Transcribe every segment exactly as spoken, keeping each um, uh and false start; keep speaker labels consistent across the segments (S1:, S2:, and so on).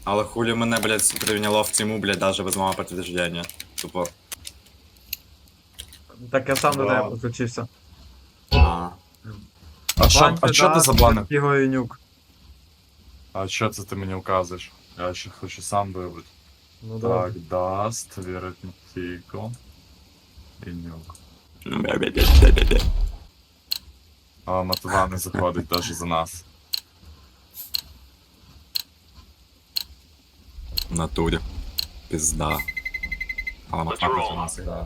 S1: Але хулі мене, блядь, прийняло в тіму, блядь, даже без мого підтвердження. Тупо.
S2: Так я сам до
S3: Да.
S2: тебе підключився.
S1: А.
S3: А що,
S2: Банки,
S3: а що
S2: да,
S3: ти забанив?
S2: Фіго і нюк.
S3: А що це ти мені указуєш? Я ще хочу сам вибрати.
S2: Ну
S3: Так,
S2: да.
S3: даст, Веретнтіко і нюк. А Матва не заходить навіть за нас.
S1: В натурі. Пізда. Але Матва проти нас грає.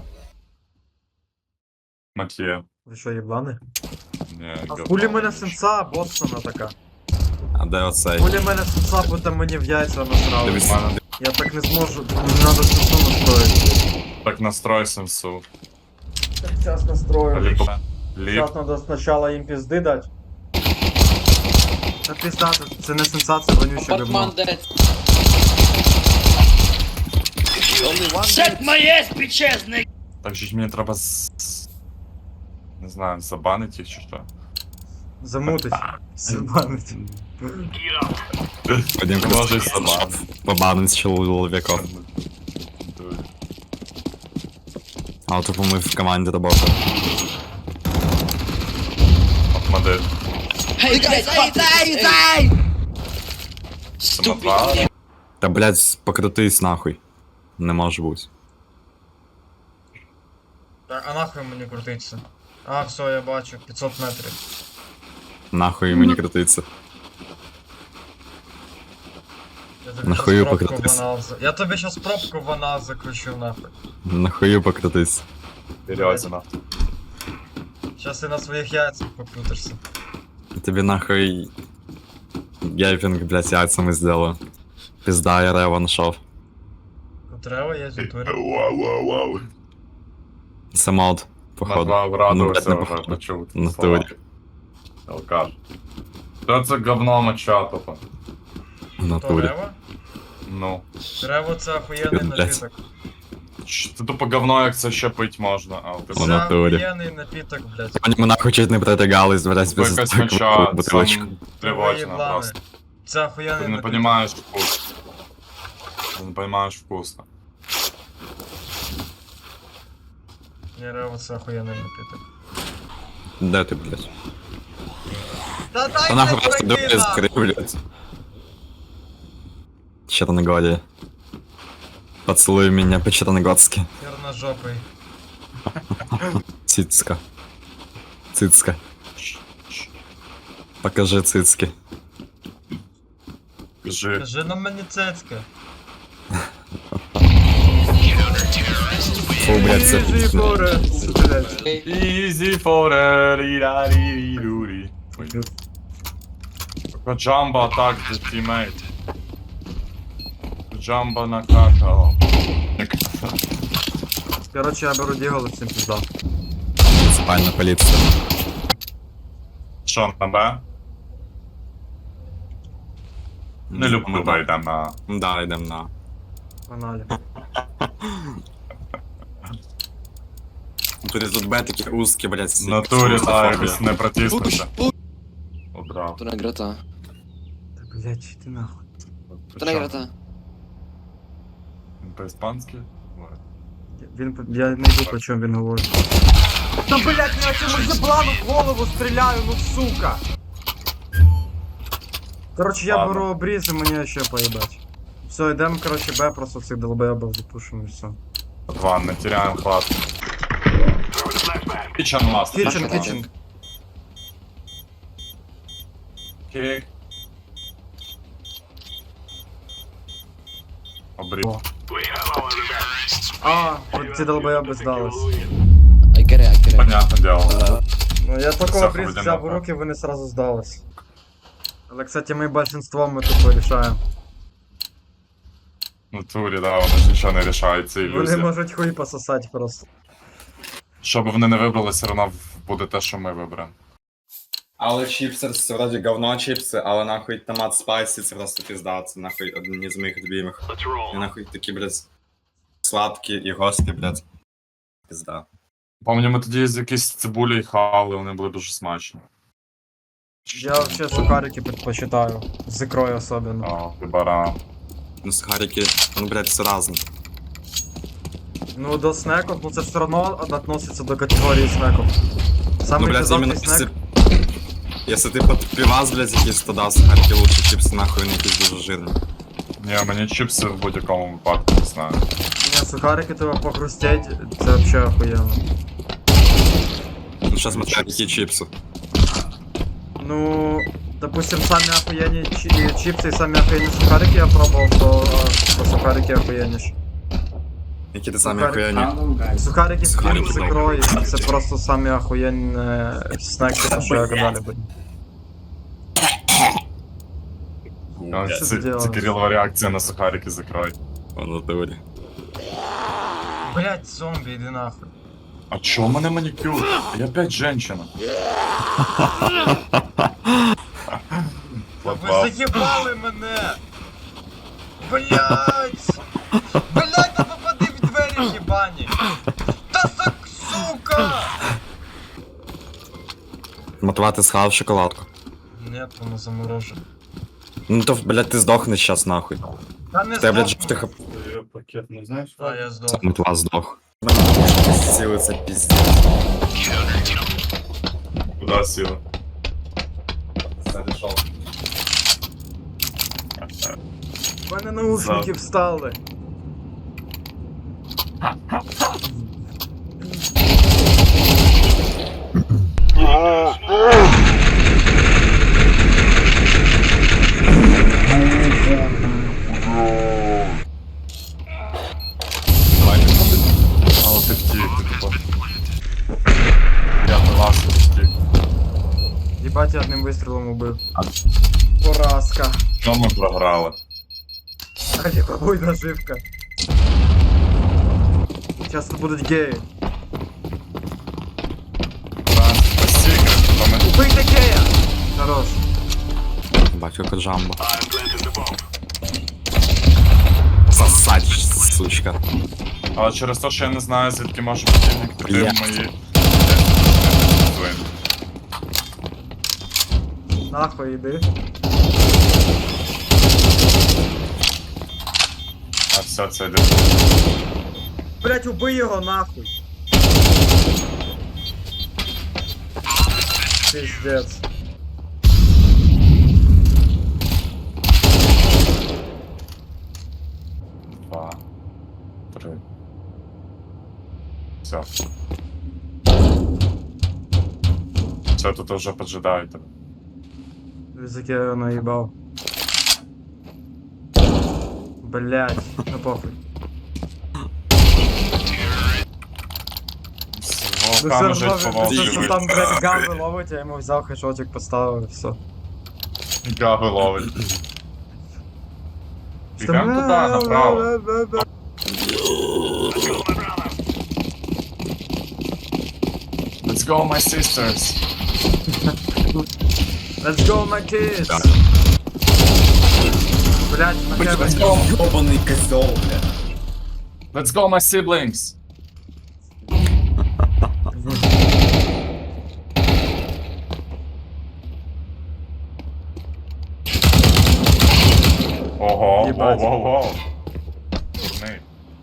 S3: Матє.
S2: Ви що, єблани?
S3: Ні,
S2: А
S3: говно.
S2: хулі мене сенса боссона така.
S1: А де оцей?
S2: Хулі мене сенса, бо там мені в яйця насрали.
S1: Дивись.
S3: У мене
S2: Я так не зможу, мені треба сенсу настроїти.
S3: так настрой сенсу.
S2: Так зараз настрою.
S3: Ліп. Ліп.
S2: Зараз треба спочатку їм пізди дати. Та пізда, це не сенса, це вонюче говно.
S4: Batman dead.
S2: Only one
S4: Set my ass, bitches, nigga!
S3: Так же ж мені треба з... з- Не знаю, забанити їх чи що.
S2: Замутить. Забанить.
S1: Пойдем
S3: Може й забанити.
S1: побанить чоловіков. А тупо ми в команді роботи.
S3: Модель.
S4: Hey, guys, fuck this. Hey. Stupid.
S3: Матва.
S1: Та, блядь, покрутись нахуй. Не може бути.
S2: Так, а нахуй мені крутиться? А, все, я бачу, п'ятсот метрів.
S1: Нахуй мені крутиться.
S2: Я тобі
S1: Нахую
S2: щас пробку
S1: покрутись.
S2: в анал за- Я тобі щас пробку в анал закручу нахуй.
S1: Нахую покрутись.
S3: Серйозно.
S2: Щас ти на своїх яйцях покрутишся.
S1: Тобі нахуй гейпінг, блядь, яйцями сделаю. Пизда, я рева нашов.
S2: Котрева є в натурі.
S3: Вау, вау, вау.
S1: Це мод, походу.
S3: Матва
S1: Ну,
S3: врадувався,
S1: блядь, не
S3: вже
S1: походу.
S3: почув.
S1: В
S3: слова.
S1: натурі.
S3: Алкаш. Що це говно моча тупо?
S1: В натурі.
S2: Котрева?
S3: Ну.
S2: Трево це охуєнний
S1: Блядь.
S2: напіток.
S3: Ч- Це тупо говно, як це ще пить можна. А, ти
S1: В
S2: Це
S1: натурі.
S2: охуєнний напіток, блядь.
S1: Вони мене нахуй чуть не протягались, блядь,
S3: Тупо
S1: без
S3: якась
S1: такої
S3: моча,
S1: бутилочки.
S3: сам тривожна
S2: Єблани.
S3: просто.
S2: Це охуєнний
S3: Ти не
S2: напіток.
S3: розумієш вкус. Ти не розумієш вкусно.
S2: Ні, рево це охуєнний напіток.
S1: Де ти, блядь?
S2: Та дай
S1: Та нахуй
S2: блядь,
S1: просто
S2: пройти,
S1: дурі
S2: нахуй!
S1: закрив, блядь. Черногория. Поцелуй меня по-черногорски.
S2: Черножопий.
S1: Цицка. Цицка. Покажи цицки.
S3: Кажи.
S2: Кажи на мені цецька.
S1: Фу, блядь, це
S2: Біжи,
S1: пізно.
S2: Боре, блядь.
S3: Easy for a ри-ра-ри-ри-ру-ри. Джамбо атак за тімейт. Джамбо накакало.
S2: Короче, я беру дігол і всім пізда.
S1: Муниципальная полиция.
S3: Що, на Б? Не люблю Б, йдем на...
S1: Да, йдем на.
S2: Погнали.
S1: Тут тут Б такі узкі, блядь.
S3: В натурі, та, якось не протиснувся. Одрав.
S4: To nagra ta.
S2: Та блядь, чи ти нахуй.
S4: To nagra ta.
S3: Він по-іспанськи?
S2: Він, по- я не йду, по чому він говорить. Та блядь, я цьому заплану в голову стріляю, ну сука! Короче, я
S3: Ладно.
S2: беру обріз і мені ще поїбать. Все, йдемо, короче, Б, просто цих долбоєбів запушимо і все.
S3: Два, не теряємо хват. Кічен маст.
S2: Кічен,
S4: так,
S2: кічен.
S3: Кік. Обріз.
S2: О. А, от ці долбоєби здались.
S4: I get it, I get it.
S3: Понятне діло.
S2: Ну я
S3: Все,
S2: такого обріз
S3: поведемо
S2: взяв у
S3: так.
S2: руки, вони сразу здались. Але, кстати, ми большинством ми тупо рішаємо.
S3: В натурі, да, вони ж нічого не рішають, це
S2: Вони
S3: ілюзія.
S2: можуть хуй пососати просто.
S3: Що б вони не вибрали, все одно буде те, що ми виберемо.
S1: Але чіпси, це вроді говно чіпси, але нахуй томат спайсі, це просто пізда, це нахуй одні з моїх любимих. І нахуй такі, блядь, сладкі і гості, блядь. Пізда.
S3: Пам'ятаю, ми тоді з якісь цибулі хавали, вони були дуже смачні.
S2: Я вообще сухарики предпочитаю. З ікрою особенно.
S3: О, ти баран.
S1: Ну, сухарики, ну, блядь, все разне.
S2: Ну, до снеков, ну це ж все одно относится до категорії снеков.
S1: Ну,
S2: Самый
S1: блядь, именно
S2: пиздатый
S1: если...
S2: снек.
S1: Если ты под пивас, блядь, якийсь, то да, сухарики лучше, чипсы нахуй, вони якісь дуже жирні.
S3: Ні, мені чіпси в будь-якому випадку не знаю.
S2: Не, сухарики тебе похрустеть, це вообще охуєнно.
S1: Ну, сейчас смотря які чипси.
S2: Ну, допустим, самі охуєнні чи- чипсы і самі охуєнні сухарики я пробував, то, то сухарики охуєнніш.
S1: Які ти самі
S2: Сухарики.
S1: охуєнні.
S2: Сухарики з
S1: Сухарики,
S2: курицей
S1: да.
S2: ікрою, це просто самі охуєнні снеки, що я когда-либо.
S3: А,
S2: Що
S3: Це,
S2: ти делаєш?
S3: це Кирилова реакція на сухарики закрой.
S1: Воно теорі.
S2: Блять, зомбі, іди нахуй.
S3: А чо у мене манікюр? Я опять женщина.
S2: Ви заєбали мене! Блять! Блять, та попади в двері, єбані! Та сак, сука!
S1: Мотивати схавав шоколадку.
S2: Нет, воно заморожено.
S1: Ну то, блядь, ти здохнеш щас нахуй.
S2: Та не
S1: Ти, блядь,
S2: здохну.
S1: жовтих
S3: Пакет не знаєш?
S2: А, я здох.
S1: сам от вас здох. Сіли це піздець.
S3: Куда сіла? Зарішов.
S2: У мене наушники встали.
S1: Давай не ходить.
S3: Але ти втік, ти типу. Я на вас втік.
S2: Єбать, я одним вистрілом убив.
S1: А.
S2: Поразка.
S3: Що ми програли?
S2: А ніхуй наживка. Сейчас тут будуть геї.
S3: Секрет, то ми...
S2: Убийте гея! Хорош.
S1: Батько Коджамбо. Сосать, сучка.
S3: Але через те, що я не знаю, звідки може противник туди
S1: Бля.
S3: в мої...
S2: Нахуй іди.
S3: А все, це йде.
S2: Блять, убий його нахуй. Пиздец.
S3: Два. Три. Все. Все, тут вже поджидають тебе.
S2: Язык я его наебал. Блять, ну похуй.
S3: З
S2: Ну
S3: волками
S2: все
S3: жить по
S2: равно,
S3: волчі
S2: все, что там, блядь, гамбы ловить, я ему взял хэшотик, поставил и все.
S3: Гави ловить. Бігам туди, направо. Let's go, my sisters.
S2: Let's go, my kids! Блять, на
S3: Let's
S2: тебе.
S3: go.
S1: Ёбаний козел, блядь.
S3: Let's go, my siblings. Ого,
S2: Єбать.
S3: ого-го. Дурний.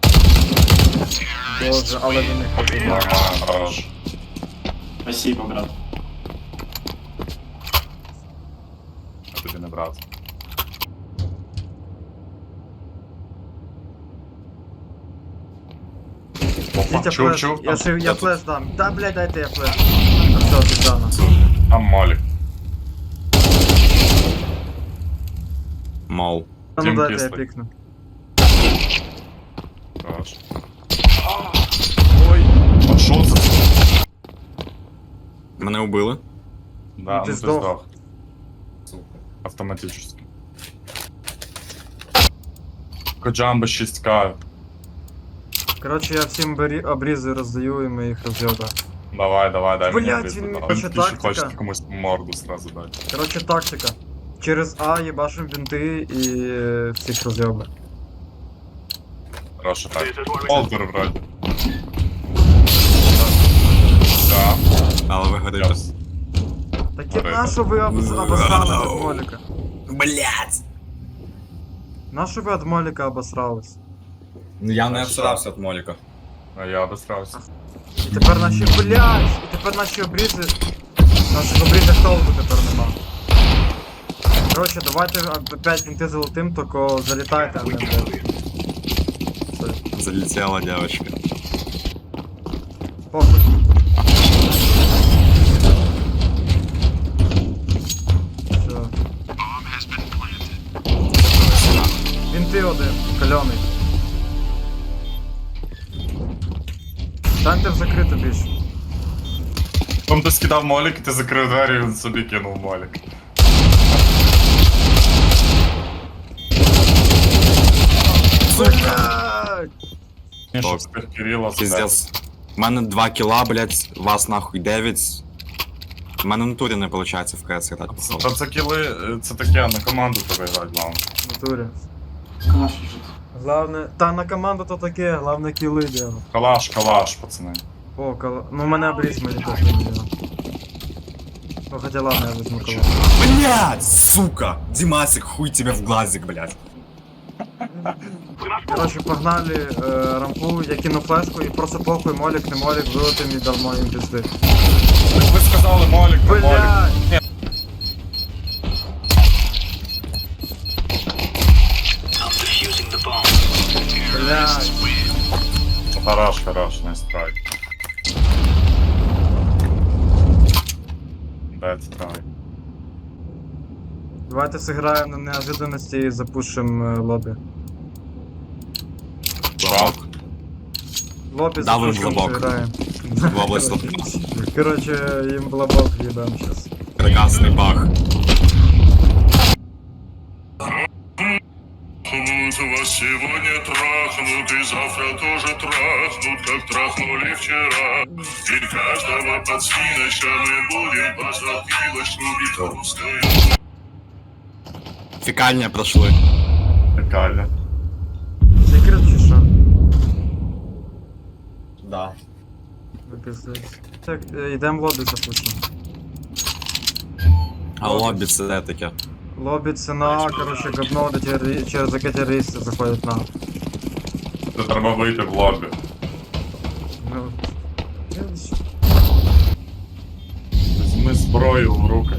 S2: Боже, але він не ходить.
S3: Нормально, хорош.
S5: Спасибо, брат.
S3: Я тобі не брат. Опа,
S2: Дітя
S3: чув,
S2: флеш,
S3: чув.
S2: я,
S3: там-
S2: шив, я
S3: я тут-
S2: флеш дам. Да, блядь, дайте я флеш. А все, пиздана.
S3: Там молік.
S1: Мол.
S2: А ну
S3: Тім
S2: дайте я
S3: кислий.
S2: пікну.
S3: Хорош. Ой, а що це?
S1: Мене убили.
S3: Да, ну
S2: Ти
S3: ти
S2: здох.
S3: здох. Автоматически. Коджамбо шість ка.
S2: Короче, я всім бері, обрізи роздаю і ми їх роз'єбаємо.
S3: Давай, давай, дай мені
S2: Блядь,
S3: близько.
S2: він
S3: Давай.
S2: хоче
S3: Ти ще
S2: тактика.
S3: хочеш комусь морду сразу дати.
S2: Короче, тактика. Через А їбашим бінти і е, всіх роз'єбаємо.
S3: Хорошо так. Олдер вроді. Да.
S1: Але ви горите.
S3: Яс.
S2: Так і на що ви обоз- обознали від моліка?
S1: Блять!
S2: Нащо ви від Моліка обосрались?
S1: Ну я не обсирався від Моліка.
S3: А я обосрався.
S2: І тепер наші, блядь, і тепер наші обрізи, наших обрізах толку тепер нема. Короче, давайте опять вінти золотим, тільки залітайте, а не блядь. Все,
S1: Залетела девочка.
S2: похуй. Все. Вінти один, кальоний. Станьте в закриту більше.
S3: Потім ти скидав молік, і ти закрив двері, і він собі кинув молік.
S2: Блядь!
S3: Ні,
S1: Так.
S3: щоб з тих Кирила
S1: Пиздец. У мене два кіла, блядь, вас нахуй дев'ять. У мене в натурі не виходить в КС грати. походу.
S3: Та це кіли, е, це таке, на команду тебе грати, главное.
S2: В натурі.
S5: Калаш лежит.
S2: Главне, та на команду то таке, главне кіли дело.
S3: Калаш, калаш, пацани.
S2: О, кала... Ну, мене обріз мені теж не дело. Ну, хотя ладно, я візьму калаш.
S1: Блядь, сука! Димасик, хуй тебе в глазик, блядь.
S2: Короче, погнали е, рампу, я кину флешку і просто похуй, молік, не молік, вилетим і дармо їм пізди.
S3: Так ви сказали молік, не молік.
S2: Блядь! Блядь!
S3: Ну, Хорош, хорош, не страйк. Бед страйк.
S2: Давайте сыграем на неожиданности и запушим э, лобби.
S1: Лобок.
S2: Лобби
S1: Давим
S2: запушим,
S1: в лобок.
S2: сыграем.
S1: В область лобка.
S2: Короче, им в лобок ебем сейчас.
S1: Прекрасный бах.
S6: Вас сегодня трахнут и завтра тоже трахнут, как трахнули вчера. И каждого подсвиноча мы будем по затылочку бить русской.
S1: Фекальня прошли.
S3: Прикольно.
S2: Секрет чеша.
S1: Да.
S2: Випиздується. Так, е, йдем в лобі запушим.
S1: А лобі це де таке?
S2: Лобі це на, короче, говно, де террори- через яке терористи заходять на.
S3: Це треба вийти в лобі.
S2: Ну,
S3: Візьми зброю в руки.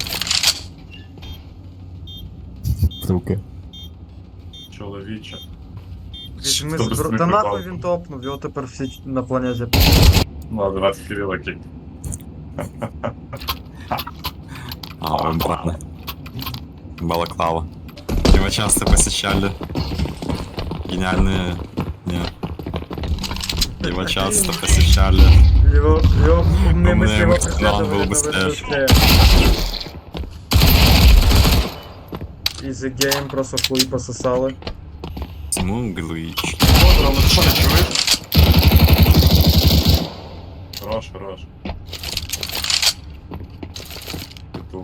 S1: Руки.
S3: Чоловіче.
S2: візьми
S3: Хто без
S2: збро... Та
S3: мікрофону?
S2: нахуй він топнув, його тепер всі на планеті.
S3: Ладно, давайте Кирила кик.
S1: А, он правда. Балаклава. Его часто посещали. Гениальные... Нет. Его часто посещали.
S2: Його, його умні
S1: Умний
S2: мислі його
S1: мислі, он
S2: преследували,
S1: був
S2: но
S1: быстрее.
S2: быстрее. Easy game, просто хуй пососали.
S1: Смуглыч.
S3: Рома, ти що не чуєш? Хорош, хорош. Петух.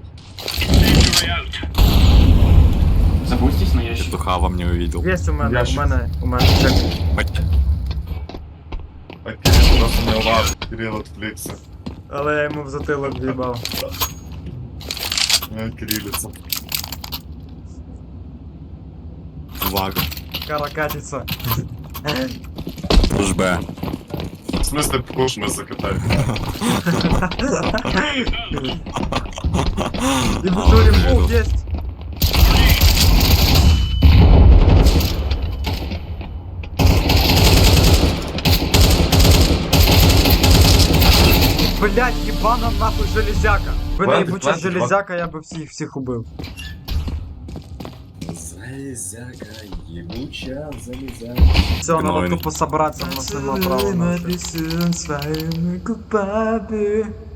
S5: Забудьтесь, но я еще...
S1: Петуха вам не увидел.
S2: Єсть у мене,
S3: Я
S2: у
S3: ще-
S2: мене, у мене. Чек.
S1: Бать.
S3: Так, Кирил просто не уважив. Кирил відвлікся.
S2: Але я йому в затилок в'їбав.
S3: Не Кирилица.
S1: Вага.
S2: Каракатиця.
S1: Уж Б.
S3: В смысле, куш ми закатаємо.
S2: І в турі був, єсть. Блять, ебана нахуй железяка. Ви не
S3: Хватит,
S2: ебуча
S3: хватит,
S2: железяка, я би всіх всіх убив.
S1: Залезяка, ебучая залезяка.
S2: Все, надо
S1: Гнойный.
S2: тупо собраться, у нас нема права на це.